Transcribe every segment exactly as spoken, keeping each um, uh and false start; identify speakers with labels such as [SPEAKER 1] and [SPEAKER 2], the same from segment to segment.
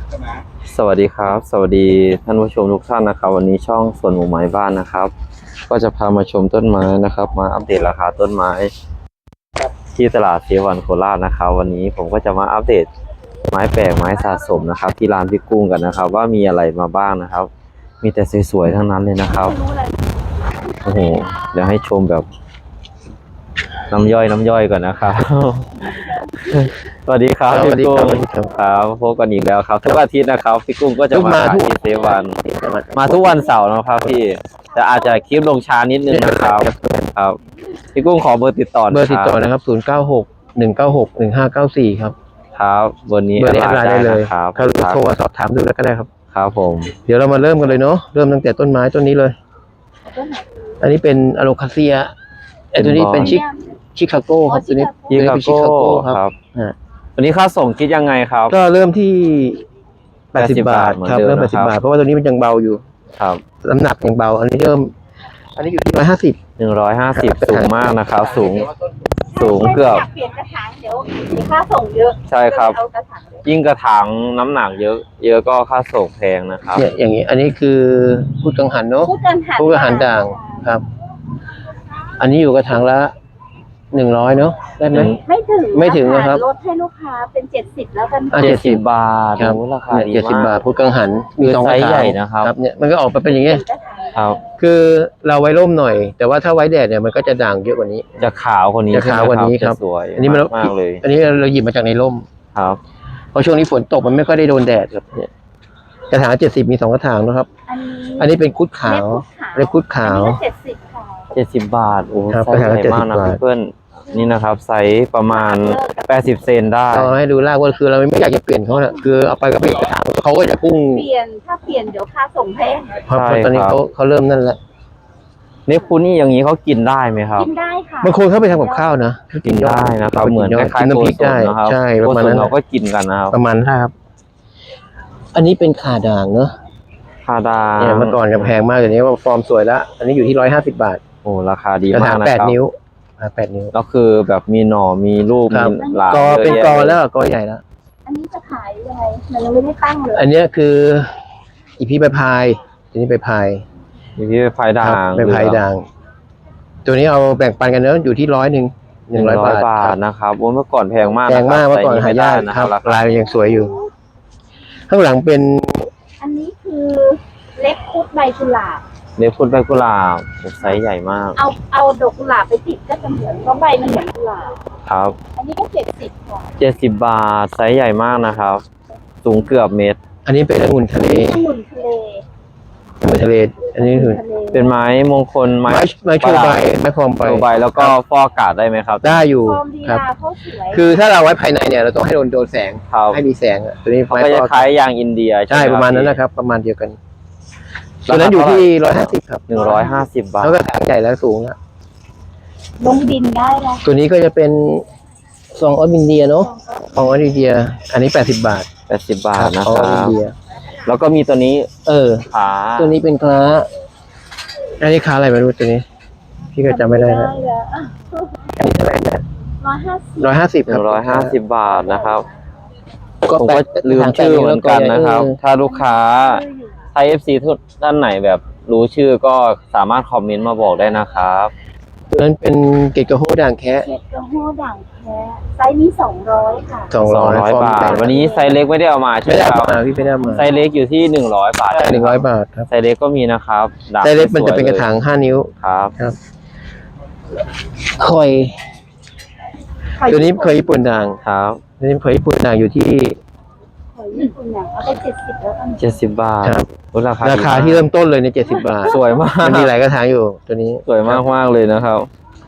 [SPEAKER 1] สวัสดีครับสวัสดีท่านผู้ชมทุกท่านนะครับวันนี้ช่องสวนหมู่ไม้บ้านนะครับ ก็จะพามาชมต้นไม้นะครับ มาอัปเดตราคาต้นไม้ที่ตลาดเซวันโคราชนะครับวันนี้ผมก็จะมาอัปเดตไม้แปลกไม้สะสมนะครับ ที่ร้านพี่กุ้งกันนะครับ ว่ามีอะไรมาบ้างนะครับ มีแต่สวยๆทั้งนั้นเลยนะครับโอ้โหเดี๋ยวให้ชมแบบน้ำย่อยน้ำย่อยก่อนนะครับ สวัสดีครับพี่กุ้งครับพบกันอีกแล้วครับทุกอาทิตย์นะครับพี่กุ้งก็จะมาขายที่เซวันมาทุกวันเสาร์นะครับพี่แต่อาจจะคลิปลงช้านิดนึงนะครับครับพี่กุ้งขอเบอร์ติดต่อ
[SPEAKER 2] เบอร์ติดต่อนะครับศูนย์เก้าหกหนึ่งเก้าหกหนึ่งห้าเก้าสี่ครับ
[SPEAKER 1] ครับเบอร์นี้
[SPEAKER 2] เบอร์นี้แอดไลน์ได้เลย
[SPEAKER 1] ครับ
[SPEAKER 2] โทรมาสอบถามดูแล้วก็ได้ครับ
[SPEAKER 1] ครับผม
[SPEAKER 2] เดี๋ยวเรามาเริ่มกันเลยเนาะเริ่มตั้งแต่ต้นไม้ต้นนี้เลยอันนี้เป็นอะโลคาเซียไอ้ตัวนี้เป็นชิคชิคาโก้ครับตัวนี้
[SPEAKER 1] ชิคาโก้ครับวันนี้ค่าส่งคิดยังไงครับ
[SPEAKER 2] ก็เริ่มที่แปดสิบบาทครับเริ่มแปดสิบบาทเพราะว่าตัวนี้มันยังเบาอยู่
[SPEAKER 1] ครับ
[SPEAKER 2] น้ำหนักยังเบาอันนี้เริ่มอันนี้อยู่ที่ร้อยห้าสิบ
[SPEAKER 1] หนึ่งร้อยห้าสิบสูงมากนะครับสูงสูงเกือบ
[SPEAKER 3] เปลี่ยนกระถางเดี๋ยวมีค่าส่งเยอะ
[SPEAKER 1] ใช่ครับยิ่งกระถางน้ำหนักเยอะเยอะก็ค่าส่งแพงนะครับ
[SPEAKER 2] เนี่ยอย่างนี้อันนี้คือพูดกังหันเนาะ
[SPEAKER 3] พูดกังหัน
[SPEAKER 2] พูดกังหันด่างครับอันนี้อยู่กระถางละหนึ่งร้อยเนาะได้ไหม
[SPEAKER 3] ไม่ถึง
[SPEAKER 2] ไม่ถึงนะครับ
[SPEAKER 3] ลดให้ลูกค้าเป็นเจ็ดสิบแล้วกัน
[SPEAKER 1] เจ็ดสิบบาท
[SPEAKER 2] ครับ
[SPEAKER 1] ราคาดีมาก
[SPEAKER 2] เจ็ดสิบบาทพูดกังหัน
[SPEAKER 1] มีสองไซส์ใหญ่นะครับ
[SPEAKER 2] เนี่ยมันก็ออกมาเป็นอย่างเงี้ย
[SPEAKER 1] ครับ
[SPEAKER 2] คือเราไว้ร่มหน่อยแต่ว่าถ้าไว้แดดเนี่ยมันก็จะด่างเยอะกว่านี้
[SPEAKER 1] จะขาวกว่านี้
[SPEAKER 2] จะขาวกว่านี้ครับ
[SPEAKER 1] สวย
[SPEAKER 2] อันนี้มัน
[SPEAKER 1] มากเลย
[SPEAKER 2] อันนี้เราหยิบมาจากในร่ม
[SPEAKER 1] ครับ
[SPEAKER 2] เพราะช่วงนี้ฝนตกมันไม่ค่อยได้โดนแดดครับเนี่ยกระถางเจ็ดสิบมีสองกระถางนะครับอันนี้เป็นคุดขาวเล็บคุดขาว
[SPEAKER 3] เจ็ดสิบค่ะ
[SPEAKER 1] เจ็ดสิบบาทโอ้
[SPEAKER 2] ไซส์ใหญ่มากนะ
[SPEAKER 1] เพื่อนนี่นะครับไซส์ประมาณแปดสิบเซนได้
[SPEAKER 2] เราให้ดูรากว่าคือเราไม่อยากจะเปลี่ยนเขาเนี่ยคือเอาไปก็เปลี่ยนกระถางเขาก็จะพุ่ง
[SPEAKER 3] เปลี่ยนถ้าเปลี่ยนเดี๋ยวค่าส่งแพง
[SPEAKER 2] เพราะตอนนี้เขาเขาเริ่มนั่นแหละ
[SPEAKER 1] เนปคูนี่อย่างนี้เขากินได้ไหมครับ
[SPEAKER 3] กินได้ค่ะ
[SPEAKER 2] บางคนเขาไปทำกับข้าวนะ
[SPEAKER 1] กินได้นะครับเหมือนคล้ายๆ
[SPEAKER 2] น้ำพริกได้ใช่ประมาณนั้น
[SPEAKER 1] เราก็กินกันนะครับ
[SPEAKER 2] ประมาณนั้นครับอันนี้เป็นขาด่างเนอะ
[SPEAKER 1] ขาด่าง
[SPEAKER 2] เนี่ยเมื่อก่อนจะแพงมากเดี๋ยวนี้ว่าฟอร์มสวยแล้วอันนี้อยู่ที่ร้อยห้าสิบบาท
[SPEAKER 1] โอ้ราคาดีมากนะครับ
[SPEAKER 2] แปดนิ้วแปดนิ้ว
[SPEAKER 1] ก็คือแบบมีหน่อมีลูกมีหลาก
[SPEAKER 2] กอเป็นกอแล้วกอใหญ่แล้ว
[SPEAKER 3] อันนี้จะขายยังไงมันยังไม่ได้ตั้งเลย
[SPEAKER 2] อันนี้คืออีพีใบพายอันนี้ใบพาย
[SPEAKER 1] อีพีใบพายด่าง
[SPEAKER 2] ใบพายด่างตัวนี้เอาแบ่งปันกันเนอะอยู่ที่ร้อยหนึ่งหนึ่งร้อยบาท
[SPEAKER 1] นะครับโอ้เมื่อก่อนแพงมาก
[SPEAKER 2] แพงมากเมื่อก่อนหายากนะครับลายยังสวยอยู่ข้างหลังเป็น
[SPEAKER 3] อันนี้คือเล็บคุดใบกุหลาบ
[SPEAKER 1] เล็บคุดใบกุหลาบไซส์ใหญ่มาก
[SPEAKER 3] เอาเอาดอกกุหลาบไปติดก็จะเหมือนเพราะใบมันเหมือนกุหลาบ
[SPEAKER 1] ครับ
[SPEAKER 3] อันนี้ก็เจ็ดสิบค่ะ
[SPEAKER 1] เจ็ดสิบบาทไซส์ใหญ่มากนะครับสูงเกือบเมตร
[SPEAKER 2] อันนี้เป็นองุ่นทะเล
[SPEAKER 3] องุ่นทะเล
[SPEAKER 2] องุ่นทะเลอันนี้คือ
[SPEAKER 1] เป็นไม้มงคลไม้
[SPEAKER 2] ไม้โชว์ใบไม้ฟอร์มใบ
[SPEAKER 1] ใบแล้วก็ฟอกอากาศได้ไหมครับ
[SPEAKER 2] ได้อยู่ครับคือถ้าเราไว้ภายในเนี่ยเราต้องให้โดนโดนแสงให้มีแสงตัวนี้
[SPEAKER 1] ไม้ก็จะคล้ายยางอินเดีย
[SPEAKER 2] ใช่ประมาณนั้นนะครับประมาณเดียวกันตัวนั้นอยู่ที่ร้อยห้าสิบครับ
[SPEAKER 1] หนึ่งร้อยห้าสิบบาท
[SPEAKER 2] แล้วก็ถังใหญ่แล้วสูงแล้ว
[SPEAKER 3] ลงดินได้แล้ว
[SPEAKER 2] ตัวนี้ก็จะเป็นซองออสอินเดียเนาะซองออสอินเดียอันนี้แปดสิบบาท
[SPEAKER 1] แปดสิบบาทนะครับ
[SPEAKER 2] อินเดีย
[SPEAKER 1] แล้วก็มีตัวนี้
[SPEAKER 2] เออ
[SPEAKER 1] ขา
[SPEAKER 2] ตัวนี้เป็นคล้าอันนี้คล้าอะไรไม่รู้ตัวนี้พี่ก็จำไม่ได้แล้วอันนี้เท่าไหร่นะ
[SPEAKER 3] ร้อยห้าสิบ
[SPEAKER 2] ร้อยห้าสิบ
[SPEAKER 1] หนึ่งร้อยห้าสิบบาทนะครับผมก็ลืมชื่อเหมือนกันนะครับถ้าลูกค้าไทย เอฟ ซี ทุกท่านไหนแบบรู้ชื่อก็สามารถคอมเมนต์มาบอกได้นะครับ
[SPEAKER 2] ตัวนั้นเป็นเกตกระโฮด่างแคะ
[SPEAKER 3] เกตกระโฮด่างแคะไซส์นี้สองร้อยค่ะ
[SPEAKER 2] สองร้อย
[SPEAKER 1] บาทวันนี้ไซส์เล็กไม่ได้เอามาใช่ไหมครับ
[SPEAKER 2] พี่ไม่ได้มา
[SPEAKER 1] ไซส์เล็กอยู่ที่หนึ่งร้อยบาท
[SPEAKER 2] หนึ่งร้อยบาทครับ
[SPEAKER 1] ไซส์เล็กก็มีนะครับ
[SPEAKER 2] ไซส์เล็กมันจะเป็นกระถางห้านิ้ว
[SPEAKER 1] ครับ
[SPEAKER 2] ครับคอยตัวนี้เคยญี่ปุ่นด่าง
[SPEAKER 1] ครับ
[SPEAKER 2] ตัวนี้เคยญี่ปุ่นด่างอยู่ที่
[SPEAKER 3] เอาไปเจ็ดสิบแล้วกัน
[SPEAKER 1] เจ็ดสิบบาท
[SPEAKER 2] ราคาราคาที่เริ่มต้นเลยในเจ็ดสิบบาท
[SPEAKER 1] สวยมาก
[SPEAKER 2] มันมีหลายกระถางอยู่ตัวนี้
[SPEAKER 1] สวยมากมากเลยนะครับ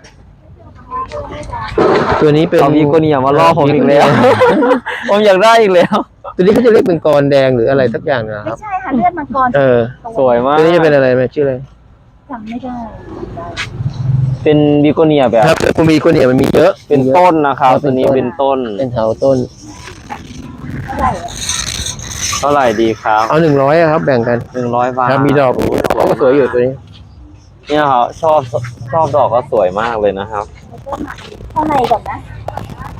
[SPEAKER 2] ตัวนี้เป็น
[SPEAKER 1] พี่คนนี้อย่ามาล่อผมอีกแล้วผมอยากได้อีกแล้ว
[SPEAKER 2] ตัวนี้เขาจะเรียกเป็นกรแดงหรืออะไรสักอย่างนะครับ
[SPEAKER 3] ไม่ใช่ค่ะเลือดมังกร
[SPEAKER 2] เออ
[SPEAKER 1] สวยมาก
[SPEAKER 2] ตัวนี้จะเป็นอะไรไหมชื่ออะไร
[SPEAKER 3] จำไม่ได้
[SPEAKER 1] เป็นบิโกเนียแบบ
[SPEAKER 2] ครับมันมีบิโกเนียมันมีเยอะ
[SPEAKER 1] เป็นต้นนะครับตัวนี้เป็นต้น
[SPEAKER 2] เป็นเถาต้น
[SPEAKER 1] เท่าไหร่ดีครับ
[SPEAKER 2] เอาหนึ่งร้อยครับแบ่งกัน
[SPEAKER 1] หนึ่งร้อยบาท
[SPEAKER 2] ครับมีดอกก็สวยอยู่ตัวนี้
[SPEAKER 1] เนี่ยครับชอบชอบดอกก็สวยมากเลยนะครับ
[SPEAKER 3] ข้างในก่อนนะ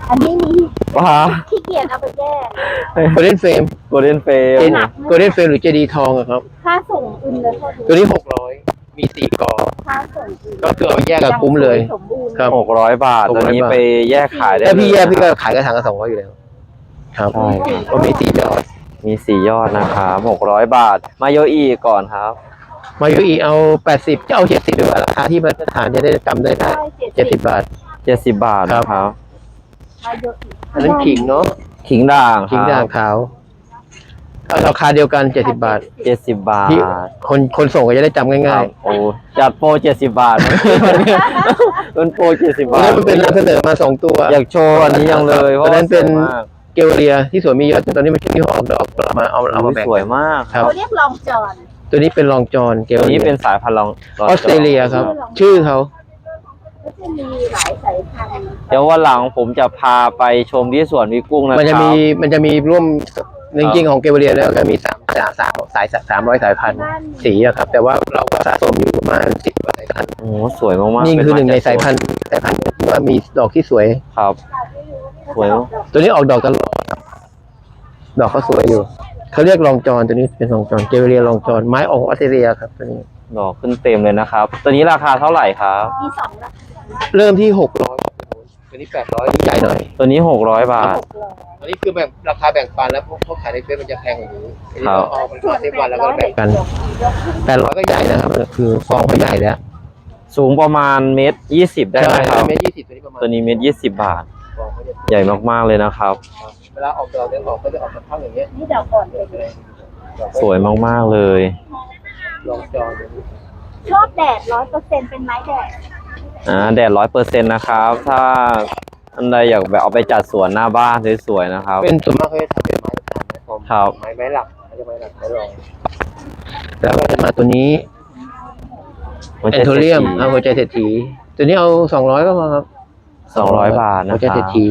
[SPEAKER 3] อันนี้มี
[SPEAKER 1] ว้า
[SPEAKER 3] ขี้เกียจเอาไปแก้
[SPEAKER 2] โกลเด้นเฟรม
[SPEAKER 1] โกลเด้นเฟม
[SPEAKER 2] เป็นโกลเด้นเฟรมหรือเจดีทองอะครับ
[SPEAKER 3] ค่าส่งอื่นเลยพอ
[SPEAKER 2] ตัวนี้หกร้อยมีสี่กอ
[SPEAKER 3] ค่าส่งอื่น
[SPEAKER 2] ก็คือเอาแยกกับคุ้มเลย
[SPEAKER 3] สมบูรณ์
[SPEAKER 2] ครับ
[SPEAKER 1] หกร้อยบาท
[SPEAKER 2] หก
[SPEAKER 1] ตัว
[SPEAKER 2] ร้อย
[SPEAKER 1] นี้
[SPEAKER 2] บาท
[SPEAKER 1] ไปแยกขายได้
[SPEAKER 2] ถ้าพี่แยก
[SPEAKER 1] เลย
[SPEAKER 2] พี่ก็ขายกระถางละสองร้อยอยู่แล้วครับ
[SPEAKER 1] ใช่ครับ
[SPEAKER 2] ก็มีสี่ยอด
[SPEAKER 1] มีสี่ยอดนะครับหกร้อยบาท มาโยอีก่อนครับ
[SPEAKER 2] มาอยู่อีเอาแปดสิบจะเอาเจ็ดสิบดีกว่าราคาที่มาตรฐานจะได้จำได้ได้เจ็ดสิบบาท
[SPEAKER 1] เจ็ดสิบบาท
[SPEAKER 2] ครับ
[SPEAKER 1] นะครับ
[SPEAKER 3] มาเยอะอีก
[SPEAKER 2] อันนั้นขิงเนาะ
[SPEAKER 1] ขิงด่าง
[SPEAKER 2] ขิงด่างขาวเอาราคาเดียวกันเจ็ดสิบบาท
[SPEAKER 1] เจ็ดสิบบาท
[SPEAKER 2] ที่คนคนส่งก็จะได้จำ
[SPEAKER 1] ค
[SPEAKER 2] ง่า
[SPEAKER 1] รั
[SPEAKER 2] ย
[SPEAKER 1] บโอ้จัดโปรเจ็ดสิบบาท เป็นโปรเจ็ดสิบ
[SPEAKER 2] ๆ
[SPEAKER 1] บาท
[SPEAKER 2] แล้วมันเป็นนำเสนอมาสองตัว
[SPEAKER 1] อยากโชว์อันนี้ยังเลยเพ
[SPEAKER 2] ตอ
[SPEAKER 1] ราะ
[SPEAKER 2] นนั้นเป็น
[SPEAKER 1] สวยมาก
[SPEAKER 2] เกลเลียที่สวนมีเยอะแต่ตอนนี้มันที่ออกดอกเอามาเอาเอามาแบ่ง
[SPEAKER 1] สวยมาก
[SPEAKER 2] ครับ
[SPEAKER 3] เขาเรียกลองจอน
[SPEAKER 2] ตัวนี้เป็นรองจอนเกล
[SPEAKER 1] ตัว
[SPEAKER 2] เลี
[SPEAKER 1] นี้
[SPEAKER 2] ย
[SPEAKER 1] เป็นสายพันธุ์ลอง
[SPEAKER 2] ออสเตรเลียครับ ชื่อเขา
[SPEAKER 3] ก็จะมีหลายสายพันธุ์
[SPEAKER 1] เดี๋ยววันหลังผมจะพาไปชมที่สวนวิกุ้งนะครับ
[SPEAKER 2] มันจะมีมันจะมีร่วมจริงๆของเกลเลียแล้วก็มีสามสามสามสายสามร้อยสายพันธุ์สีอะครับ แต่ว่าเราก็สะสมอยู่ประมาณสิบกว่าสายพันธุ์
[SPEAKER 1] โอ้โหสวยมากๆ
[SPEAKER 2] นี่คือหนึ่งใน
[SPEAKER 1] เป็
[SPEAKER 2] สายพันธุ์สายพันธุ์ว่ามีดอกที่สวย
[SPEAKER 1] ครับ สวยมาก
[SPEAKER 2] ตัวนี้ออกดอกตลอดครับดอกเขาสวยอยู่เขาเรียกรองจอนตัวนี้เป็นรองจอนเกลเลียรองจอนไม้ออกออสเตรเลียครับตัวนี้
[SPEAKER 1] ดอกขึ้นเต็มเลยนะครับ ตัวนี้ราคาเท่าไหร่ครับ
[SPEAKER 3] มีสองราคา
[SPEAKER 2] เริ่มที่หกร้อยตัวนี้แปดร้อยใหญ่หน่อย
[SPEAKER 1] ตัวนี้หกร้อยบาท
[SPEAKER 3] หกร้อย
[SPEAKER 2] อันนี้คือแบ่งราคาแบ่งปันแล้วพวกเขาขายในเฟซมันจะแพงกว่านี้อันนี้
[SPEAKER 1] ครับ
[SPEAKER 2] เราเอาเป็นเซฟวันแล้วก็แบ่งกัน
[SPEAKER 3] ยกขึ้น
[SPEAKER 2] แปดร้อยก็ใหญ่นะครับคือฟองเขาใหญ่แล้ว
[SPEAKER 1] สูงประมาณเมตรยี่สิบได้ไหมครับ
[SPEAKER 2] เมตรยี่สิบตัวนี้ประมาณ
[SPEAKER 1] ตัวนี้เมตรยี่สิบบาท
[SPEAKER 2] ฟองเขาจะ
[SPEAKER 1] ใหญ่มากๆเลยนะครับ
[SPEAKER 2] เวลาออกดอกเนี่ยออกก็จะออกสักพักอย่างเงี้ย
[SPEAKER 3] นี่ดอกก่อนเลย
[SPEAKER 1] สวยมากๆเลย
[SPEAKER 2] ลองจอน
[SPEAKER 3] ชอบแดดร้อยเปอร์เซ็นต์เป็นไม้แดด
[SPEAKER 1] อ่าแดดร้อยเปอร์เซ็นต์นะครับ ถ้าอันใดอยากแบบเอาไปจัดสวนหน้าบ้านสวยๆนะครับ
[SPEAKER 2] เป็นส่วนมากเขาจะทำเป็นไม้ประธานไม้ฟอม
[SPEAKER 1] ครับ
[SPEAKER 2] ไม้ไม้หลักเขาจะไม้หลักไม้รองแล้วก็จะมาตัวนี้ แอนโทเรียมเอาหัวใจเศรษฐีตัวนี้เอาสองร้อยก็พอครับ
[SPEAKER 1] สองร้อยบาทนะ
[SPEAKER 2] หัว
[SPEAKER 1] ค
[SPEAKER 2] ใจ
[SPEAKER 1] รับ
[SPEAKER 2] เศรษฐี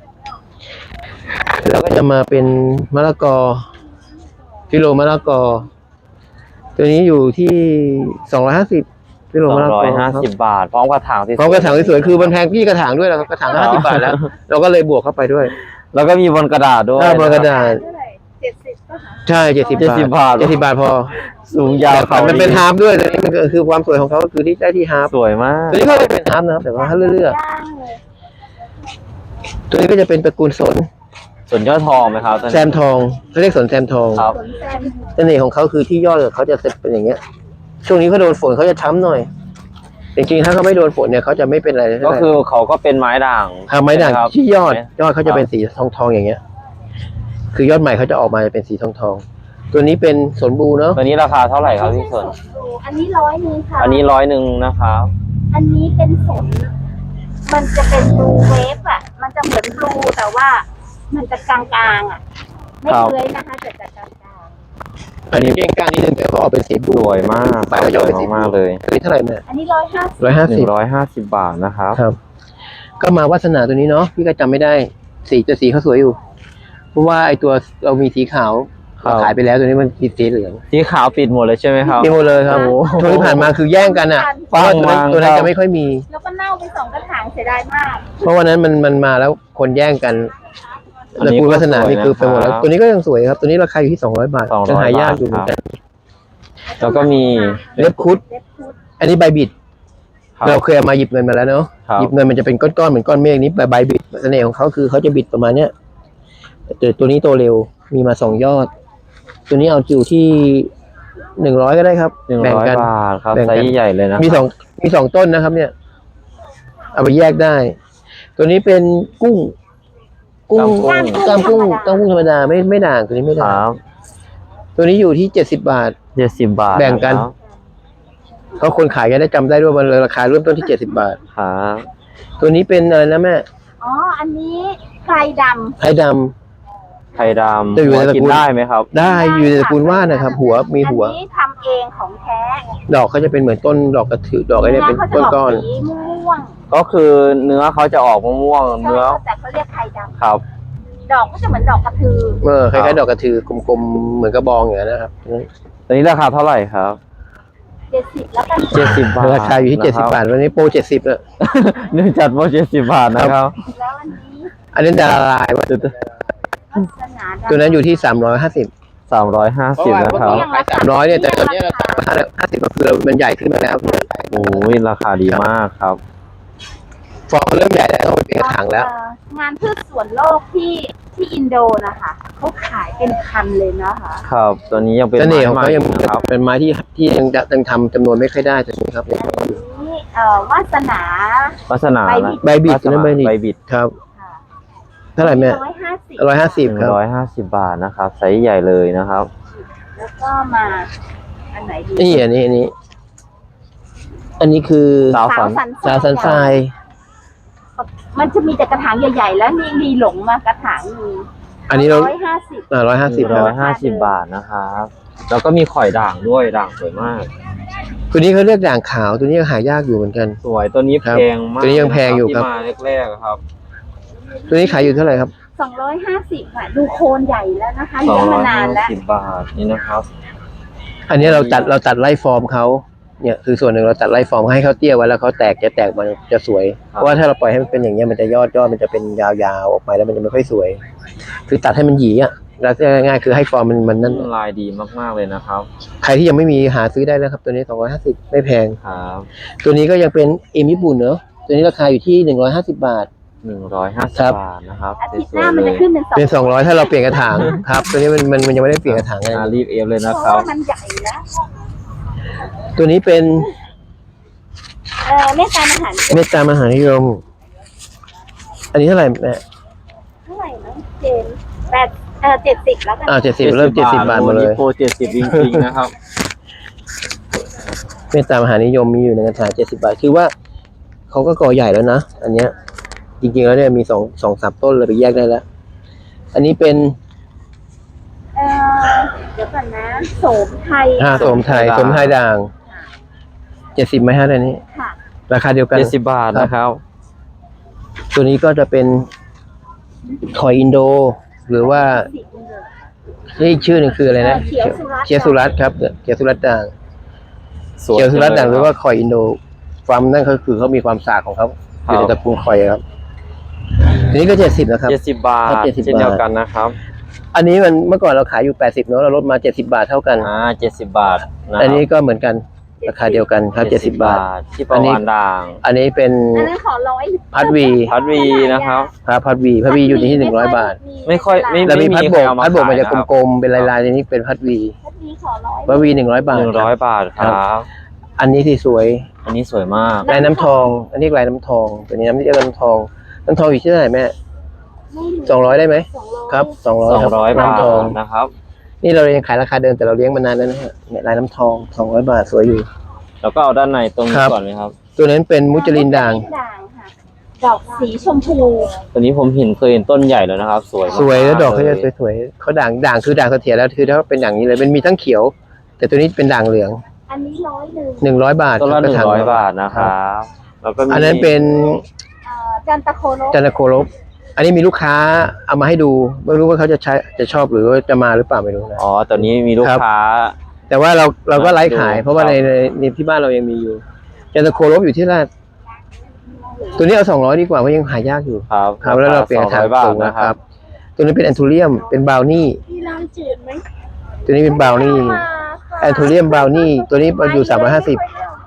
[SPEAKER 2] แล้วก็จะมาเป็นมะละกอฟิโลมะละกอ ตัวนี้อยู่ที่สองร้อยห้าสิบฟิโล
[SPEAKER 1] สอง
[SPEAKER 2] มะละก
[SPEAKER 1] ร้
[SPEAKER 2] อ
[SPEAKER 1] อยห้าสิบบาท พร้อมกระถางที่
[SPEAKER 2] พร้อมกระถางสวยๆคือมันแพงพี่กระถางด้วยนะครับกระถางห้าสิบบาทแล้ว เราก็เลยบวกเข้าไปด้วย
[SPEAKER 1] แล้วก็มีบนกระดาษด้วย
[SPEAKER 2] หน้าบนกระดาษ
[SPEAKER 3] เท่าไหร่เจ็ดสิบก็หา
[SPEAKER 2] ใช่เจ็ดสิบ
[SPEAKER 1] เจ็ดสิบบาท
[SPEAKER 2] เจ็ดสิบบาทพอ
[SPEAKER 1] สูงยาวเขา
[SPEAKER 2] มันเป็นฮาร์ฟด้วยแต่นี่มันก็คือความสวยของเขาก็คือที่ได้ที่ฮาร์ฟ
[SPEAKER 1] สวยมาก
[SPEAKER 2] ตัวนี้ก็เป็นฮาร์ฟนะครับแต่ว่าถ้าเลือก
[SPEAKER 3] ย่างเลย
[SPEAKER 2] ๆตัวนี้ก็จะเป็นตระกูลสน
[SPEAKER 1] ส่วนยอดทองไหมครับท่าน
[SPEAKER 2] แซมทองเขาเรียกสนแซมทอง
[SPEAKER 1] ครับ
[SPEAKER 3] สนแซม
[SPEAKER 2] เสน่ห์ของเขาคือที่ยอดเขาจะเป็นอย่างเงี้ย ช่วงนี้เขาโดนฝนเขาจะช้ำหน่อย จริงๆถ้าเขาไม่โดนฝนเนี่ยเขาจะไม่เป็นอะไร
[SPEAKER 1] ก็คือเขาก็เป็นไม้ด่าง
[SPEAKER 2] ทำไม้ด่าง
[SPEAKER 1] ใช่หครับ
[SPEAKER 2] ที่ยอด ยอดเขาจะเป็นสีทองทองๆอย่างเงี้ย คือยอดใหม่เขาจะออกมาเป็นสีทองทองๆตัวนี้เป็นสนบูเนาะ
[SPEAKER 1] ตัวนี้ราคาเท่าไหร่ครับพี่สน
[SPEAKER 3] อันนี้ร้อยหนึงค่ะ
[SPEAKER 1] อันนี้ร้อยหนึ่งนะครับ
[SPEAKER 3] อันนี้เป็นสน มันจะเป็นบลูเวฟอ่ะ มันจะเหมือนบลูแต่ว่า มันจะกลางๆอ่ะ ไม่
[SPEAKER 1] ครับ
[SPEAKER 3] เลื้อยนะคะแต่จะกลาง
[SPEAKER 2] อันนี้เก่งกลางนิดนึงแต่เขาออกเป็นสีบู
[SPEAKER 1] สวยมาก
[SPEAKER 2] ใบเขา
[SPEAKER 1] ส
[SPEAKER 2] จะอ
[SPEAKER 1] ว
[SPEAKER 2] อก
[SPEAKER 1] ย
[SPEAKER 2] เป็นสี
[SPEAKER 1] มากๆเลย
[SPEAKER 2] ตัวนี้เท่าไหร่เนี่ย
[SPEAKER 3] ๆอันนี้ร้อยห้าสิบ
[SPEAKER 2] ร้อยห้า
[SPEAKER 1] ห
[SPEAKER 2] สิ
[SPEAKER 1] นึ่
[SPEAKER 2] บ
[SPEAKER 1] งร้อยห้าสิบบาทนะครับ
[SPEAKER 2] ครับ ก็มาวาสนาตัวนี้เนาะพี่ก็จำไม่ได้ สีจะสีเขาสวยอยู่ เพราะว่าไอตัวเรามีสีขาว
[SPEAKER 1] ครับ
[SPEAKER 2] ขายไปแล้วตัวนี้มันติดสีเหลือง
[SPEAKER 1] สีขาวปิดหมดเลยใช่ไหมครับ
[SPEAKER 2] มีหมดเลยครับ
[SPEAKER 1] โอ้โห
[SPEAKER 2] ช่วงที่ผ่านมาคือแย่งกันอ่ะเพราะว่าตัวนั้น
[SPEAKER 1] ปังมาก
[SPEAKER 2] ตัวนั้น
[SPEAKER 1] ครับ
[SPEAKER 2] จะไม่ค่อยมี
[SPEAKER 3] แล้วก็เน่าไปสองกระถางเสียดายมาก
[SPEAKER 2] เพราะวันนั้นมันมันมาแล้วคนแย่งกัน
[SPEAKER 1] อัน
[SPEAKER 2] ตระ
[SPEAKER 1] นี้
[SPEAKER 2] กูล
[SPEAKER 1] ก็
[SPEAKER 2] วัฒนา
[SPEAKER 1] สวย
[SPEAKER 2] นี่คือไปหมดแล้ว
[SPEAKER 1] นะครับ
[SPEAKER 2] ตัวนี้ก็ยังสวยครับ ตัวนี้ราคาอยู่ที่สองร้อยบาท
[SPEAKER 1] สองร้อย
[SPEAKER 2] ยังหายาก
[SPEAKER 1] บาท
[SPEAKER 2] อยู่เหมือนกัน
[SPEAKER 1] แล้วก็มี
[SPEAKER 2] เล็บคุด
[SPEAKER 3] เล็บพุด
[SPEAKER 2] อันนี้ใบบิด
[SPEAKER 1] ครับ
[SPEAKER 2] เราเคยเอามาหยิบเงินมาแล้วเนาะ
[SPEAKER 1] ครับ
[SPEAKER 2] หยิบเงินมันจะเป็นก้อนๆเหมือนก้อนเมฆนี้ใบใบบิดเสน่ห์ของเขาคือเขาจะบิดประมาณเนี้ยแต่ตัวนี้โตเร็วมีมาสองยอด ตัวนี้เอาอยู่ที่หนึ่งร้อยก็ได้ครับ
[SPEAKER 1] หนึ่ง
[SPEAKER 2] แบ่ง
[SPEAKER 1] ร้อย
[SPEAKER 2] กัน
[SPEAKER 1] บาทครับ
[SPEAKER 2] แบ่ง
[SPEAKER 1] ไซ
[SPEAKER 2] กัน
[SPEAKER 1] ส์ใหญ่เลยนะ
[SPEAKER 2] มีสองมีสองต้นนะครับ เนี่ย เอาไปแยกได้ ตัวนี้เป็นกุ้ง กุ้ง
[SPEAKER 1] กล้าม
[SPEAKER 2] กล้ามกุ้งกล้ามกุ้งธรรมดาไม่ไม่ด่างตัวนี้ไม่
[SPEAKER 1] ค
[SPEAKER 2] ด่าง
[SPEAKER 1] รับ
[SPEAKER 2] ตัวนี้อยู่ที่เจ็ดสิบบาท
[SPEAKER 1] เจ็ดสิบบาท
[SPEAKER 2] แบ่งกัน
[SPEAKER 1] ะครับ
[SPEAKER 2] เพราะคนขายจะได้จำได้ด้วยว่ามันราคาเริ่มต้นที่เจ็ดสิบบาท
[SPEAKER 1] ครับ
[SPEAKER 2] ตัวนี้เป็นอะไรนะแม่
[SPEAKER 3] อ๋อ อันนี้ไพรดำ
[SPEAKER 2] ไทยด
[SPEAKER 1] ไข่ดำ
[SPEAKER 2] จะอยู่ในตระกูล
[SPEAKER 1] กินได้ไหมครับ
[SPEAKER 2] ำได้อยู่ในตระกูลว่านนะครับ หัวมีหัว
[SPEAKER 3] อันนี้ทำเองของแท้
[SPEAKER 2] ดอกเขาจะเป็นเหมือนต้นดอกกระถือดอกอะไรเนี่ยเป็น
[SPEAKER 3] ขาจะ
[SPEAKER 2] ก้อน
[SPEAKER 3] สีม่วง
[SPEAKER 1] ก็คือเนื้อเขาจะออกม่วง
[SPEAKER 3] ๆ
[SPEAKER 1] ๆเนื้อ
[SPEAKER 3] แต่เขาเรียกไพรด
[SPEAKER 1] ครับ
[SPEAKER 3] ำดอกก็จะเหมือนดอกกระทือ
[SPEAKER 2] ๆเออคล้ายๆดอกกระถือกลมๆเหมือนกระบองอย่างนั้นนะครับ
[SPEAKER 1] ตัวนี้ราคาเท่าไหร่ครับ
[SPEAKER 3] เจ็ดสิบแล้วกัน
[SPEAKER 1] เจ็ดสิบบาท
[SPEAKER 2] ราคาอยู่ที่เจ็ดสิบบาทวันนี้โปรเจ็ดสิบแล้ว
[SPEAKER 1] เนื่องจากว่าเจ็ดสิบบาทนะครับ
[SPEAKER 3] แล้วอันนี้
[SPEAKER 2] อันนี้ดาราลายว่า
[SPEAKER 3] วัสนาดา
[SPEAKER 2] ตัวนั้นอยู่ที่สามร้อยห้าสิบ
[SPEAKER 1] สามร้อยห้าสิบนะครับ
[SPEAKER 2] ขายสามร้อยเนี่ยแต่ตอนนี้เราห้าสิบก็คือมันใหญ่ขึ้นมาแล้ว
[SPEAKER 1] โอ้ยราคาดีมากครับ
[SPEAKER 2] ฟองเริ่มใหญ่แล้วต้องไปเปลี่ยนถังแล้ว
[SPEAKER 3] เอ่องานพืชสวนโลกที่ที่อินโดนะคะเขาขายเป็นพันเลยนะคะ
[SPEAKER 1] ครับ ตัวนี้ยังเป็น
[SPEAKER 2] เสน่
[SPEAKER 1] ไม้
[SPEAKER 2] ห์ของ
[SPEAKER 1] ใหม่
[SPEAKER 2] เขายัง
[SPEAKER 1] นะครับ
[SPEAKER 2] เป็นไม้ที่ที่ยังยังทำจำนวนไม่ค่อยได้ตัวนี้ครับ
[SPEAKER 3] อันนี้เอ่อวาสนา
[SPEAKER 1] ลักษณะ
[SPEAKER 3] ใบบิด
[SPEAKER 2] ใบบิด
[SPEAKER 1] ลักษ
[SPEAKER 2] นะ
[SPEAKER 1] ณะ
[SPEAKER 2] ใบบิด
[SPEAKER 1] ใบบิด
[SPEAKER 2] ครับ
[SPEAKER 3] ค่ะ
[SPEAKER 2] เท่าไหร่แม่
[SPEAKER 3] ร้อยห้าสิบ
[SPEAKER 2] ร้อยห้าสิบ
[SPEAKER 1] หนึ่
[SPEAKER 2] ค
[SPEAKER 1] ง
[SPEAKER 2] รับ
[SPEAKER 1] ร้อยห้าสิบบาทนะครับไซส์ใหญ่เลยนะครับ
[SPEAKER 3] แล้วก็มาอันไหนดี
[SPEAKER 2] นี่อันนี้อันนี้ อันนี้คือ
[SPEAKER 1] สาวสัน
[SPEAKER 3] สัน
[SPEAKER 2] ซาซันทราย
[SPEAKER 3] มันจะมีแต่กระถางใหญ่ๆ แล้วมีมีหลงมากระถางหนึง
[SPEAKER 2] อันนี้เรา
[SPEAKER 3] ร้อยห้าสิบ
[SPEAKER 2] อ่าร้อยห้าสิบ
[SPEAKER 1] ร้อยห้าสิบบาทนะครับแล้วก็มีข่อยด่างด้วยด่างสวยมาก
[SPEAKER 2] ตัวนี้เขาเรียกด่างขาวตัวนี้หายากอยู่เหมือนกัน
[SPEAKER 1] สวยตัวนี้
[SPEAKER 2] ครับ
[SPEAKER 1] แพงมาก
[SPEAKER 2] ตัวนี้ยังแพงอยู่ครับ
[SPEAKER 1] ที่มาแรกๆครับ
[SPEAKER 2] ตัวนี้ขายอยู่เท่าไหร่ครับ
[SPEAKER 3] สองร้อยห้าสิบค่ะ ดูโคนใหญ่แล้วนะคะ
[SPEAKER 1] สอ
[SPEAKER 3] เลี้ย
[SPEAKER 1] ง
[SPEAKER 3] ง
[SPEAKER 1] ร้
[SPEAKER 3] มา
[SPEAKER 1] อย
[SPEAKER 3] นาน
[SPEAKER 1] ห้า
[SPEAKER 3] แล้ว
[SPEAKER 1] สิบบาทนี่นะครับ
[SPEAKER 2] อันนี้เราตัดเราตัดไล่ฟอร์มเขาเนี่ยคือส่วนหนึ่งเราตัดไล่ฟอร์มให้เขาเตี้ยไว้แล้วเขาแตกจะแตกมันจะสวย
[SPEAKER 1] ครับ
[SPEAKER 2] เพราะว่าถ้าเราปล่อยให้มันเป็นอย่างเงี้ยมันจะยอดยอดมันจะเป็นยาวๆออกไปแล้วมันจะไม่ค่อยสวย คือตัดให้มันหยีอ่ะแล้วง่ายๆคือให้ฟอร์มมันมันนั่น
[SPEAKER 1] ลายดีมากๆเลยนะครับ
[SPEAKER 2] ใครที่ยังไม่มีหาซื้อได้นะครับ ตัวนี้สองร้อยห้าสิบไม่แพง
[SPEAKER 1] ครับ
[SPEAKER 2] ตัวนี้ก็ยังเป็นเอ็มญี่ปุ่นเนอะตัวนี้ราคาอยู่ที่หนึ่งร้อยห้าสิบบาท
[SPEAKER 1] หนึ่งร้อยห้าสิ
[SPEAKER 2] ครับ บ
[SPEAKER 1] บาทนะครับ
[SPEAKER 3] อาทิตย์
[SPEAKER 1] ส
[SPEAKER 3] ห
[SPEAKER 1] วย
[SPEAKER 3] น้า
[SPEAKER 1] ๆ
[SPEAKER 3] มัน
[SPEAKER 1] เล
[SPEAKER 3] จะ
[SPEAKER 1] ย
[SPEAKER 3] ขึ้นเป็นสอง
[SPEAKER 2] เป็นสองร้อยถ้าเราเปลี่ยนกระถางครับ ตัวนี้มันมันมันยังไม่ได้เปลี่ยนกระถางอะไร
[SPEAKER 1] อ่ารีบเอฟเลย
[SPEAKER 3] เพ
[SPEAKER 1] นะ
[SPEAKER 3] ราะ
[SPEAKER 1] ครับ
[SPEAKER 3] ว่ามันใหญ่แล้ว
[SPEAKER 2] ตัวนี้เป็น
[SPEAKER 3] เออเมตตามหานิยม
[SPEAKER 2] เมตตามหานิยม อันนี้เท่าไหร่แม่
[SPEAKER 3] เท่าไหร่นะเจนแปดเออเจ็ดสิบแล้วกัน
[SPEAKER 2] อ่าเจ็ดสิบเริ่มเจ็ดสิบบาทหมาเลย
[SPEAKER 1] โปรเจ็ดสิบจริงๆนะครับ
[SPEAKER 2] เมตตามหานิยมมีอยู่ในกระถางเจ็ดสิบาท คือว่าเขาก็ก่อใหญ่แล้วนะ อันเนี้ย จริงๆแล้วเนี่ยมีสองสองสามต้นเลยไปแยกได้แล้ว อันนี้เป็น
[SPEAKER 3] เออเดี๋ยวก่อนนะโสมไทย
[SPEAKER 2] ห้าสมไทยสมไทยด่างเจ็ดสิบไหมฮะอันนี้
[SPEAKER 3] ค่ะ
[SPEAKER 2] ราคาเดียวกัน
[SPEAKER 1] เจ็ดสิบบาทนะครับ
[SPEAKER 2] ตัวนี้ก็จะเป็นคอยอินโด หรือว่า
[SPEAKER 3] สิบเลย
[SPEAKER 2] นี่อีกชื่อหนึ่งคืออะไรนะ
[SPEAKER 3] เขียวสุรัตน์
[SPEAKER 2] เขียวสุรัตน์ครับเขียวสุรัตน์ด่าง
[SPEAKER 1] สวย
[SPEAKER 2] เขียวสุรัตน์ด่างหรือว่า
[SPEAKER 1] จัง
[SPEAKER 2] คอยอินโดความนั่นก็คือเขามีความสากของเขาอยู่ในตระกูลคอยครับทีนี้ก็เจ็ดสิบนะครับ
[SPEAKER 1] เจ็ดสิบบาท
[SPEAKER 2] ครับเจ็ดสิบ
[SPEAKER 1] เช่นเดียวกันนะครับ
[SPEAKER 2] อันนี้มันเมื่อก่อนเราขายอยู่แปดสิบเนาะเราลดมาเจ็ดสิบาทเท่ากัน
[SPEAKER 1] อ่าเจ็ดสิบบาทนะ
[SPEAKER 2] อันนี้ก็เหมือนกันราคาเดียวกันครับเจ็ดสิบบาท
[SPEAKER 1] ที่ประวานด่าง
[SPEAKER 2] อันนี้เป็น
[SPEAKER 3] อันนั้นขอร้อย
[SPEAKER 2] พัดวี
[SPEAKER 1] พัดวีนะครับ
[SPEAKER 2] พระพัดวีพัดวีอยู่ที่หนึ่งร้อยบาท
[SPEAKER 1] ไม่ค่อยไม่
[SPEAKER 2] แล้วมี
[SPEAKER 1] ไม่
[SPEAKER 2] พัด
[SPEAKER 1] มี
[SPEAKER 2] โบ
[SPEAKER 1] ใคร
[SPEAKER 2] ก
[SPEAKER 1] เอามา
[SPEAKER 2] พัดโบกมันจะ
[SPEAKER 1] ขายนะครับ
[SPEAKER 2] กลมๆเป็นลายๆทีนี้เป็นพัดวี
[SPEAKER 3] พัดวีขอร้อย
[SPEAKER 2] พัดวีหนึ่งร้อยบาท
[SPEAKER 1] หนึ่งร้อยบาทครับ
[SPEAKER 2] อันนี้ที่สวย
[SPEAKER 1] อันนี้สวยมาก
[SPEAKER 2] ลายน้ำทอง อันนี้ลายน้ำทองตัวนี้น้ำที่เรียกน้ำทองน้ำทองอยู่ที่เท่าไหร่แม่สองร้อยได้ไหม
[SPEAKER 3] สองร้อย
[SPEAKER 2] ครับสองร้อย
[SPEAKER 1] สองร้อยบาท
[SPEAKER 2] น้ำทอง
[SPEAKER 1] นะครับ
[SPEAKER 2] นี่เรายังขายราคาเดิมแต่เราเลี้ยงมานานแล้วนะฮะเนี่ยลายน้ำทองสองร้อยบาทสวยอยู่
[SPEAKER 1] แล้วก็เอาด้านในตรง
[SPEAKER 2] ค
[SPEAKER 1] นี้
[SPEAKER 2] รับ
[SPEAKER 1] ก่อนเลยครับ
[SPEAKER 2] ตัวนั้นเป็นมุจลินด่าง
[SPEAKER 3] ด่างค่ะดอกสีชมพู
[SPEAKER 1] ตัวนี้ผมเห็นเคยเห็นต้นใหญ่แล้วนะครับ สวยมาก
[SPEAKER 2] สวยแล้วดอกเขาจะ
[SPEAKER 1] ลย
[SPEAKER 2] สวยๆเขาด่างด่างคือด่างเสถียรแล้วคือถ้าเป็นอย่างนี้เลยมันมีทั้งเขียว แต่ตัวนี้เป็นด่างเหลือง
[SPEAKER 3] อันนี้ร้อยหนึ่ง
[SPEAKER 2] หนึ่งร้อยบาท
[SPEAKER 1] ต้นละห
[SPEAKER 2] ก
[SPEAKER 1] นึ่ง
[SPEAKER 2] ถา
[SPEAKER 1] ร้อยบาทนะครับแล้วก็มี
[SPEAKER 2] อันนั้นเป็น
[SPEAKER 3] เอ่อจันตะโคโน
[SPEAKER 2] จันทโคลบอันนี้มีลูกค้าเอามาให้ดูไม่รู้ว่าเขาจะใช้จะชอบหรือว่าจะมาหรือเปล่าไม่รู้นะ
[SPEAKER 1] อ๋อตัวนี้มีลูก
[SPEAKER 2] ครับ
[SPEAKER 1] ค้า
[SPEAKER 2] แต่ว่าเราเราก็ไลฟ์ขาย
[SPEAKER 1] ดู
[SPEAKER 2] เพราะว่า
[SPEAKER 1] ครับ
[SPEAKER 2] ในในในที่บ้านเรายังมีอยู่จันทโคลบอยู่ที่ราชตัวนี้เอาสองร้อยดีกว่าเพราะยังหายากอยู่
[SPEAKER 1] ครับ
[SPEAKER 2] ครับแล้วเราเปลี่ยนกระถาง
[SPEAKER 1] บาท
[SPEAKER 2] สูง
[SPEAKER 1] นะ
[SPEAKER 2] นะ
[SPEAKER 1] ค
[SPEAKER 2] ค
[SPEAKER 1] รั
[SPEAKER 2] รับ บ ตัวนี้เป็นแอนทูเรียมเป็นบราวนี่
[SPEAKER 3] ที่ร้านจืดไหม
[SPEAKER 2] ตัวนี้เป็นบราวนี่แอนทูเรียมบราวนี่ตัวนี้อยู่สามร้อยห้าสิบ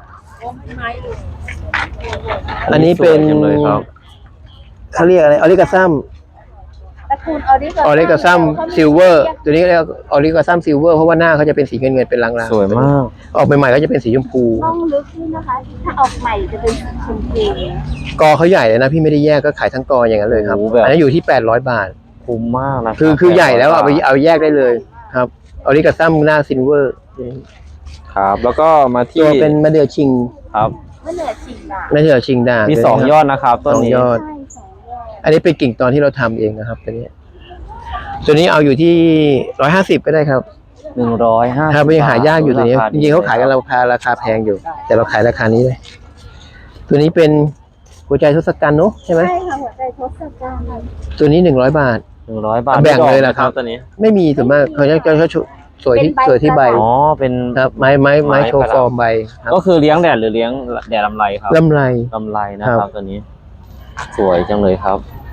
[SPEAKER 2] อันนี้เป็น
[SPEAKER 1] สวยจังเลยครับ
[SPEAKER 2] เขาเรียกอะไรออริกาซัม
[SPEAKER 3] ตระกูลออริกา
[SPEAKER 2] ออริกาซัมซิลเวอร์ตัวนี้เรียกออริกาซัมซิลเวอร์เพราะว่าหน้าเขาจะเป็นสีเงินเงินๆเป็นลางๆ
[SPEAKER 1] สวยมาก
[SPEAKER 2] ออกใหม่ๆก็จะเป็นสีชมพู
[SPEAKER 3] ต้องลึกด้วยนะคะ ถ้าออกใหม่จะเป็นชมพู
[SPEAKER 2] กอเขาใหญ่เลยนะพี่ไม่ได้แยกก็ขายทั้งกออย่างนั้นเลยครับ
[SPEAKER 1] โอ้โหแบบ
[SPEAKER 2] อันนี้อยู่ที่แปดร้อยบาท
[SPEAKER 1] คุ้มมากนะ
[SPEAKER 2] คือคือใหญ่แล้วเอาไปเอาแยกได้เลยครับออริกาซัมหน้าซิลเวอร์
[SPEAKER 1] ครับ แล้วก็มาที่
[SPEAKER 2] ตัวเป็นมะเดื่อชิง
[SPEAKER 1] ครับ
[SPEAKER 3] เมื่อเหนือชิงด่าง
[SPEAKER 2] มะเดื่อชิงด่าง
[SPEAKER 1] มีสองยอดนะครับต้นนี้
[SPEAKER 2] สองยอด
[SPEAKER 3] ใช่สองยอด
[SPEAKER 2] อันนี้เป็นกิ่งตอนที่เราทำเองนะครับตัวนี้ตัวนี้เอาอยู่ที่ร้อยห้าสิบก็ได้ครับ
[SPEAKER 1] หนึ่งร้อยห้า
[SPEAKER 2] ถ้าไม่ยังหายากอยู่ตัวนี้
[SPEAKER 1] รค
[SPEAKER 2] จริงๆเขาขายกันราคาราคาแพงอยู่ แต่เราขายราคานี้เลย ตัวนี้เป็นหัวใจทศกัณฐ์เนอะใช่ไหม
[SPEAKER 3] ใช่ค่ะหัวใจทศกัณฐ์
[SPEAKER 2] ตัวนี้หนึ่งร้อยบาท
[SPEAKER 1] หนึ่งร้อยบาท
[SPEAKER 2] แบ่งเลย
[SPEAKER 1] ไม่ดอก
[SPEAKER 2] เหรอครับ
[SPEAKER 1] ตัวนี้
[SPEAKER 2] ไม่มีส่วนมากเขาจะเขาจะสวยที่สวยที่ใบ
[SPEAKER 1] อ๋อเป็น
[SPEAKER 2] ครับไม้ไม้ไม้โชว์ฟอร์มใบครับ
[SPEAKER 1] ก็คือเลี้ยงแดดหรือเลี้ยงแดดลำไรครับ
[SPEAKER 2] ลำไร
[SPEAKER 1] ลำไรนะค
[SPEAKER 2] ครั
[SPEAKER 1] รับบ ตัวนี้ สวยจังเลยครับ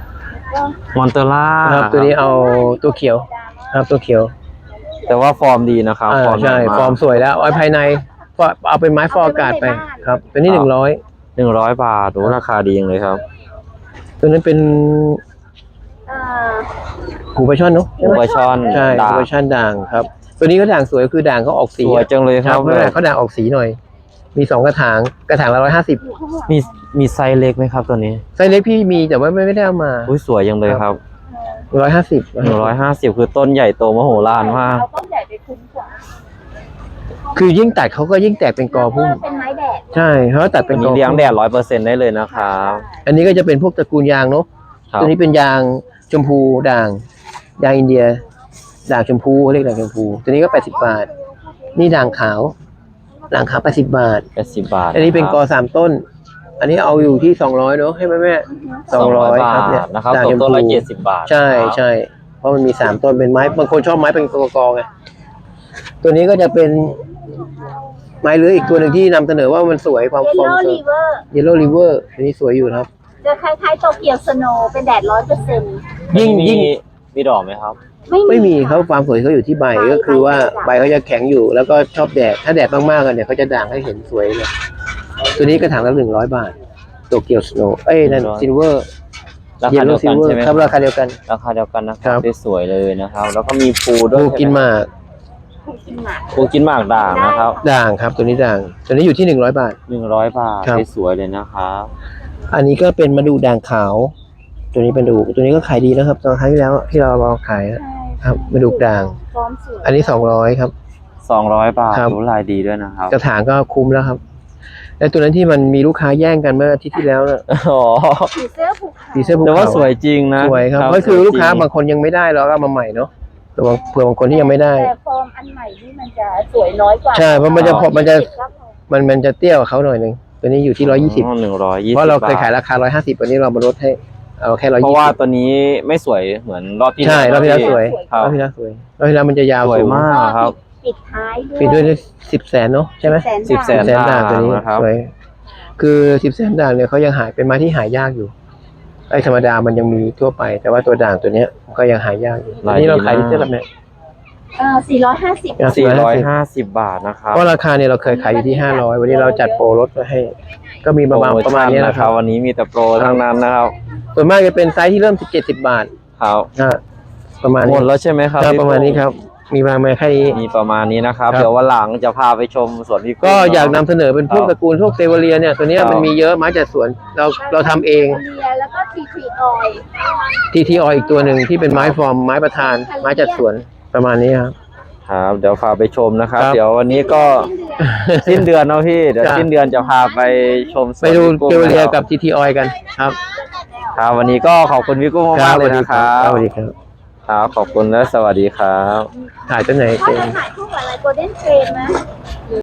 [SPEAKER 3] ก็
[SPEAKER 1] มอนเตล่า
[SPEAKER 2] ครับตัวนี้เอาตัวเขียวครับตัวเขียว
[SPEAKER 1] แต่ว่าฟอร์มดีนะครับ
[SPEAKER 2] อ่า
[SPEAKER 1] ฟอร์ม
[SPEAKER 2] ใช่
[SPEAKER 1] ดีาก
[SPEAKER 2] ฟอร์มสวยแล้วเอาภายในเอาเป็นไม้ฟอร์อากาศไปครับตัวนี้หนึ่งร้อย
[SPEAKER 1] หนึ่งร้อยบาทโอ้ราคาดีจังเลยครับ
[SPEAKER 2] ตัวนั้นเป็น
[SPEAKER 3] เอ่อ
[SPEAKER 2] หูปลาช่อนเนาะ
[SPEAKER 1] หูปลาช่อน
[SPEAKER 2] ใช่
[SPEAKER 1] ด่าง
[SPEAKER 2] หูปลาช่อนด่างครับ ตัวนี้ก็ด่างสวยคือด่างเขาออกสี
[SPEAKER 1] สวยจังเลย
[SPEAKER 2] ค
[SPEAKER 1] ค
[SPEAKER 2] รั
[SPEAKER 1] รั
[SPEAKER 2] บบ เขาด่างออกสีหน่อย มีสองกระถางกระถางละร้อยห้าสิบ
[SPEAKER 3] อยู่ข้างหลัง
[SPEAKER 1] มีมีไซส์เล็กไหมครับตัวนี้
[SPEAKER 2] ไซส์เล็กพี่มีแต่ว่าไม่ไม่ได้เอามา
[SPEAKER 1] อุ้ยสวยจังเลยครับ
[SPEAKER 2] ร้อยห้าสิบ
[SPEAKER 1] หนึ่งร้อยห้าสิบคือต้นใหญ่โตมโหฬารมาก
[SPEAKER 3] เอาต้นใหญ่ไปคุ้มกว่า
[SPEAKER 2] คือยิ่งตัดเขาก็ยิ่งแตกเป็นกอพุ่ม
[SPEAKER 3] เป็นไม้แดด
[SPEAKER 2] ใช่เขาตัดเป็
[SPEAKER 1] อั
[SPEAKER 2] น
[SPEAKER 1] น
[SPEAKER 2] ก
[SPEAKER 1] นี้
[SPEAKER 2] อ
[SPEAKER 1] เลี้ยง
[SPEAKER 2] พุ่ม
[SPEAKER 1] แดดร้อยเปอร์เซ็นต์ได้เลยนะครับ
[SPEAKER 2] อันนี้ก็จะเป็นพวกตระกูลยางเนาะ
[SPEAKER 1] ครับ
[SPEAKER 2] ตัวนี้เป็นยางชมพูด่างยางอินเดียด่างชมพูเขาเรียกด่างชมพู ตัวนี้ก็แปดสิบบาท นี่ด่างขาวด่างขาวแปดสิบบาท
[SPEAKER 1] แปดสิบบาท
[SPEAKER 2] อันนี้เป็นกอสามต้น อันนี้เอาอยู่ที่สองร้อยเนาะให้ไหมแม่สองร้อย
[SPEAKER 1] บา
[SPEAKER 2] ครับ
[SPEAKER 1] ท
[SPEAKER 2] เนี่ย
[SPEAKER 1] นะครับ
[SPEAKER 2] ด่าง
[SPEAKER 1] ต
[SPEAKER 2] ช
[SPEAKER 1] ก
[SPEAKER 2] ม
[SPEAKER 1] ต้น
[SPEAKER 2] พู
[SPEAKER 1] ละเจ็ดสิบบาท
[SPEAKER 2] ใช่
[SPEAKER 1] ครับ
[SPEAKER 2] ใช่เพราะมันมีสามต้นเป็นไม้บางคนชอบไม้เป็นกอกๆไงตัวนี้ก็จะเป็นไม้เลื้อยอีกตัวหนึ่งที่นำเสนอว่ามันสวยความ
[SPEAKER 3] เยล
[SPEAKER 2] ฟอร์ม
[SPEAKER 3] โล่
[SPEAKER 2] สวย
[SPEAKER 3] รีเวอร์
[SPEAKER 2] เยลโล่ริเวอร์อันนี้สวยอยู่นะครับ
[SPEAKER 3] จะคล้ายๆโตเกียวสโนว์เป็นแดดร้อยเปอร์เซ็นต์
[SPEAKER 2] ยิ่ง
[SPEAKER 1] มี
[SPEAKER 2] ยิ่ง
[SPEAKER 1] มีดอกไหมครับ
[SPEAKER 2] ไม่มีเขาความสวยเขาอยู่ที่ใบก็คือว่าใบเขาจะแข็งอยู่แล้วก็ชอบแดดถ้าแดดมากๆกันเนี่ยเขาจะด่างให้เห็นสวยเลยตัวนี้กระถางละหนึ่งร้อยบาทโตเกียวสโนว์เอ้ยนั่น
[SPEAKER 1] หนึ่งร้อย
[SPEAKER 2] ซิลเวอร์
[SPEAKER 1] รา
[SPEAKER 2] เย
[SPEAKER 1] คา
[SPEAKER 2] ล
[SPEAKER 1] เดี
[SPEAKER 2] โล่
[SPEAKER 1] ยว
[SPEAKER 2] ซิ
[SPEAKER 1] กั
[SPEAKER 2] ล
[SPEAKER 1] น
[SPEAKER 2] เวอ
[SPEAKER 1] ใช่
[SPEAKER 2] ร์
[SPEAKER 1] ไหม
[SPEAKER 2] ครับราคาเดียวกัน
[SPEAKER 1] ราคาเดียวกันนะค
[SPEAKER 2] ครั
[SPEAKER 1] รับบ สวยๆเลยนะครับ แล้วก็มีฟูด้ว
[SPEAKER 2] ดู
[SPEAKER 1] ย
[SPEAKER 2] กินหมาก
[SPEAKER 3] ถูกกินหมาก
[SPEAKER 1] ฟูกินหมากด่างนะครับ
[SPEAKER 2] ด่างครับตัวนี้ด่างตัวนี้อยู่ที่หนึ่งร้อยบาท
[SPEAKER 1] หนึ่งร้อยบาท
[SPEAKER 2] ครับ
[SPEAKER 1] สวยๆเลยนะครับ
[SPEAKER 2] อันนี้ก็เป็นมาดูด่างขาว ตัวนี้เป็นดูตัวนี้ก็ขายดีนะครับตอนครั้งที่แล้วที่เราลองขายนะครับมาดูด่าง
[SPEAKER 3] ฟอร์มสวย
[SPEAKER 2] อันนี้สองร้อยครับ
[SPEAKER 1] สองร้อยบาท
[SPEAKER 2] ครับ
[SPEAKER 1] ดูลายดีด้วยนะครับ
[SPEAKER 2] กระถางก็คุ้มแล้วครับและตัวนั้นที่มันมีลูกค้าแย่งกันเมื่ออาทิตย์ที่แล้วน่ะ
[SPEAKER 1] อ๋อ
[SPEAKER 3] ผีเสื้อภูเขา
[SPEAKER 2] ผีเสื้อภู
[SPEAKER 1] แต่ว่า
[SPEAKER 2] เขา
[SPEAKER 1] สวยจริงนะ
[SPEAKER 2] สวยครับก็คือ
[SPEAKER 1] สวยจริง
[SPEAKER 2] ลูกค้าบางคนยังไม่ได้เราก็เอามาใหม่เนาะแต่บางเผื่อบางคนที่ยังไม่ได้
[SPEAKER 3] แต่ฟอร์มอันใหม่นี่มันจะสวยน้อยกว่า
[SPEAKER 2] ใช่เพราะมันจะพอมันจะ
[SPEAKER 3] ก็พอ
[SPEAKER 2] มันมันจะเตี้ยกว่าเขาหน่อยหนึงตัวนี้อยู่ที่ร้อยยี่สิบ
[SPEAKER 1] หนึ่งร้อยยี่สิบ
[SPEAKER 2] เพราะเราเคยขายราคาร้อยห้าสิบวันนี้เรามาลดให้เอาแค่ร้อย
[SPEAKER 1] เพ
[SPEAKER 2] ยี่
[SPEAKER 1] ราะ
[SPEAKER 2] สิ
[SPEAKER 1] ว่า
[SPEAKER 2] บ
[SPEAKER 1] ตัวนี้ไม่สวยเหมือนรอบที่
[SPEAKER 2] ใช่รอบที่แล้ว
[SPEAKER 1] ที่
[SPEAKER 2] สวย
[SPEAKER 1] ครั
[SPEAKER 2] ร
[SPEAKER 1] บ
[SPEAKER 2] อบที่แล้วสวยรอบที่แล้วมันจะยาว
[SPEAKER 1] สวย
[SPEAKER 2] สูง
[SPEAKER 1] มากครับ
[SPEAKER 3] ปิดท้ายด้วย
[SPEAKER 2] ปิดด้วยสิบแสนเนาะใช่ไหม
[SPEAKER 1] สิบแสน
[SPEAKER 2] แสนด่างตัวนี้
[SPEAKER 1] นะครับ
[SPEAKER 2] สวยคือสิบแสนด่างเนี่ยเขายังหายเป็นไม้ที่หายากอยู่ไอ้ธรรมดามันยังมีทั่วไป แต่ว่าตัวด่างตัวเนี้ยก็ยังหายากอยู่อันนี้เราขายที่เท่าไหร่เนี่ย
[SPEAKER 3] เออสี่ร้อยห้าสิบ
[SPEAKER 1] สี่ร้อยห้าสิบบาทนะครับ
[SPEAKER 2] เพราะราคาเนี่ยเราเคยขายอยู่ที่ห้าร้อยวันนี้เราจัดโปรลดมาให้ ก็มีประมาณ
[SPEAKER 1] โปโ
[SPEAKER 2] ประมาณนี้นะครับ
[SPEAKER 1] วันนี้มีแต่โปรทั้งนั้นนะครับ
[SPEAKER 2] ส่วนมากจะเป็นไซส์ที่เริ่มสิบเจ็ดสิบบาท
[SPEAKER 1] ครับ
[SPEAKER 2] นะประมาณ
[SPEAKER 1] หม
[SPEAKER 2] นี้
[SPEAKER 1] ดแล้วใช่ไหมครับ
[SPEAKER 2] ครับ
[SPEAKER 1] พี่
[SPEAKER 2] ประมาณนี้ครับ มีประมาณแค่นี้
[SPEAKER 1] มีประมาณนี้นะครับ
[SPEAKER 2] ครับ
[SPEAKER 1] เดี๋ยววันหลังจะพาไปชมสวนพี่
[SPEAKER 2] ก็อยากนำ
[SPEAKER 1] เนะ
[SPEAKER 2] เสนอเป็นพวก
[SPEAKER 1] ครับ
[SPEAKER 2] ตระกูลพวกเซเวเรียเนี่ยตัวเนี้ย
[SPEAKER 1] ครับ
[SPEAKER 2] มันมีเยอะไม้จัดสวนเราเราทำเอง
[SPEAKER 3] เลียแล้วก็ทีทีออย
[SPEAKER 2] ทีทีออีกตัวหนึ่งที่เป็นไม้ฟอร์มไม้ประธาน ไม้จัดสวนประมาณนี้ครับ
[SPEAKER 1] ครับเดี๋ยวพาไปชมนะครับ
[SPEAKER 2] ครับ
[SPEAKER 1] เดี๋ยววันนี้ก็สิ้นเดือนเนาะพี่เดี๋ยว
[SPEAKER 2] จ้ะ
[SPEAKER 1] สิ้นเดือนจะพาไปชมสวน
[SPEAKER 2] ไปดู
[SPEAKER 1] พี่กุ้ง
[SPEAKER 2] เซเวเรีย
[SPEAKER 1] นะค
[SPEAKER 2] กั
[SPEAKER 1] รั
[SPEAKER 2] บบทีทีออยกันครับ
[SPEAKER 1] ครับวันนี้ก็ขอบคุณพี่กุ้งมากๆเลยนะครับ
[SPEAKER 2] สวัสดีครับ
[SPEAKER 1] ครับขอบคุณและสวัสดีครับ
[SPEAKER 2] ถ่ายตัวไหน
[SPEAKER 3] ถ้า
[SPEAKER 2] เต็ม
[SPEAKER 3] จะถ่ายคู่กับอะไรโกลเด้นเทรนนะ